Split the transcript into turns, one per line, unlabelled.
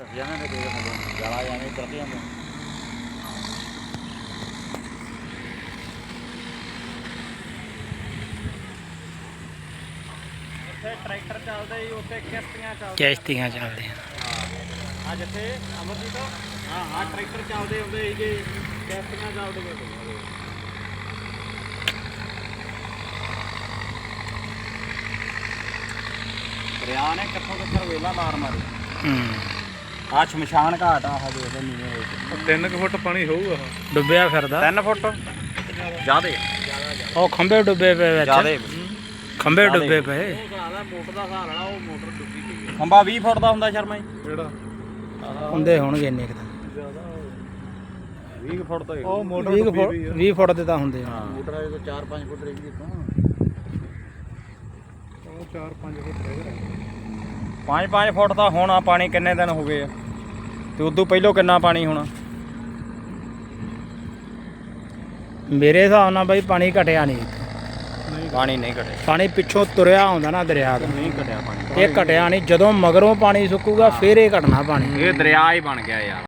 ਫਸ ਜਾਣਾ ਨੇ ਕੋਈ ਜਾਲਾ ਜਾਵੇਂ ਚੜ ਜਾਂਦਾ। ਉੱਥੇ ਟਰੈਕਟਰ ਚੱਲਦੇ ਜੀ, ਉੱਥੇ
ਕਿਸ਼ਤੀਆਂ ਚੱਲਦੇ
ਆ ਜਿੱਥੇ ਅਮਰਜੀਤ ਹਾਂ ਟਰੈਕਟਰ ਚੱਲਦੇ ਹੁੰਦੇ ਸੀਗੇ, ਕਿਸ਼ਤੀਆਂ ਚੱਲਦੀਆਂ ਪਈਆਂ। ਦਰਿਆ ਨੇ ਕਿੱਥੋਂ ਕਿੱਥੋਂ ਵੇਲਾ ਮਾਰ ਮਾਰੀ। ਆ ਸ਼ਮਸ਼ਾਨ ਘਾਟ ਆ ਹਜੇ ਉਹਦੇ ਨੀਵੇਂ ਵਿੱਚ
3 ਫੁੱਟ ਪਾਣੀ ਹੋਊਗਾ।
ਡੁੱਬਿਆ ਫਿਰਦਾ
3 ਫੁੱਟ ਜ਼ਿਆਦੇ
ਉਹ ਖੰਭੇ ਡੁੱਬੇ ਪਏ ਵਿੱਚ,
ਜ਼ਿਆਦੇ
ਖੰਭੇ ਡੁੱਬੇ ਪਏ।
ਮੋਟਰ ਦਾ ਸਹਾਰਾ ਨਾ, ਉਹ ਮੋਟਰ ਡੁੱਬੀ ਗਈ। ਖੰਭਾ 20 ਫੁੱਟ ਦਾ ਹੁੰਦਾ ਸ਼ਰਮਾ ਜੀ,
ਜਿਹੜਾ
ਹੁੰਦੇ ਹੋਣਗੇ ਇੰਨੇ ਕੁ ਤਾਂ
20 ਫੁੱਟ ਤਾਂ
ਉਹ ਮੋਟਰ
20 ਫੁੱਟ ਦੇ ਤਾਂ ਹੁੰਦੇ ਆ।
ਮੋਟਰ ਆ ਜਦੋਂ 4-5 ਫੁੱਟ ਰਹੀ ਜੀ ਤਾਂ
4-5 ਫੁੱਟ ਹੈਗਾ।
5-5 ਫੁੱਟ ਦਾ ਹੋਣਾ ਪਾਣੀ। ਕਿੰਨੇ ਦਿਨ ਹੋ ਗਏ ਆ ਤੇ ਉਦੋਂ ਪਹਿਲੋਂ ਕਿੰਨਾ ਪਾਣੀ ਹੋਣਾ?
ਮੇਰੇ ਹਿਸਾਬ ਨਾਲ ਬਾਈ ਪਾਣੀ ਘਟਿਆ ਨਹੀਂ ਇੱਥੇ।
ਪਾਣੀ ਨਹੀਂ ਘਟਿਆ,
ਪਾਣੀ ਪਿੱਛੋਂ ਤੁਰਿਆ ਆਉਂਦਾ ਨਾ ਦਰਿਆ ਦਾ,
ਨਹੀਂ ਘਟਿਆ ਪਾਣੀ।
ਇਹ ਘਟਿਆ ਨਹੀਂ। ਜਦੋਂ ਮਗਰੋਂ ਪਾਣੀ ਸੁੱਕੂਗਾ ਫਿਰ ਇਹ ਘਟਣਾ ਪਾਣੀ।
ਇਹ ਦਰਿਆ ਹੀ ਬਣ ਗਿਆ ਯਾਰ।